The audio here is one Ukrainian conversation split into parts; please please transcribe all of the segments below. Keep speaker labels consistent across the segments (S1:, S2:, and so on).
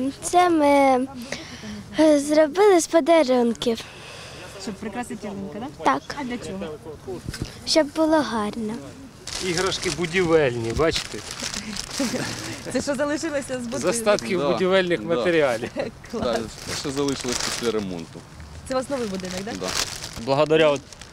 S1: Це ми зробили з подарунків.
S2: Щоб прикрасити ялинку, так?
S1: Так,
S2: А для чого?
S1: щоб було гарно.
S3: Іграшки будівельні, бачите?
S2: Це що залишилося з
S3: З
S2: будинку?
S3: остатків будівельних матеріалів.
S4: Так, ще залишилось після ремонту.
S2: Це у вас новий будинок, так?
S4: Да.
S5: Благодаря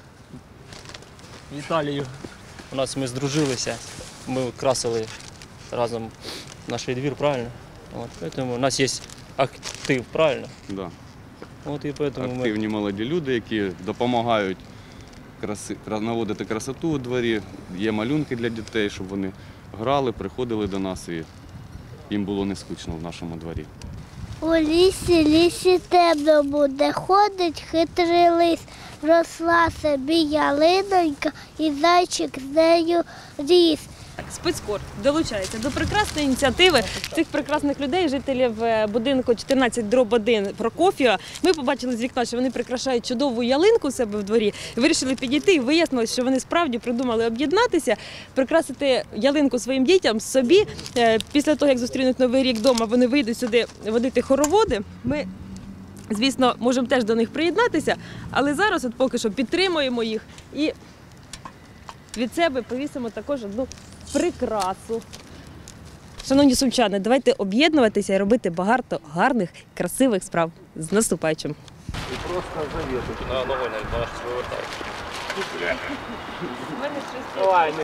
S5: Віталію у нас ми здружилися, ми красили разом наш двір, правильно? Тому у нас є актив, правильно?
S4: Да.
S5: Поэтому
S4: Активні молоді люди, які допомагають наводити красоту у дворі. Є малюнки для дітей, щоб вони грали, приходили до нас і їм було не скучно в нашому дворі.
S1: У лісі темно буде, ходить хитрий лис. Росла собі ялинонька і зайчик з нею ріс.
S2: Спецкор долучається до прекрасної ініціативи цих прекрасних людей, жителів будинку 14/1 Прокоф'єва. Ми побачили з вікна, що вони прикрашають чудову ялинку у себе в дворі. Вирішили підійти і вияснилось, що вони справді придумали об'єднатися, прикрасити ялинку своїм дітям, собі. Після того, як зустрінуть Новий рік вдома, вони вийдуть сюди водити хороводи. Ми, звісно, можемо теж до них приєднатися, але зараз от поки що підтримуємо їх і від себе повісимо також одну прикрасу. Шановні сумчани, давайте об'єднуватися і робити багато гарних, красивих справ. З наступаючим!
S3: І просто завіту.
S5: на новий вивертають.
S3: Давай.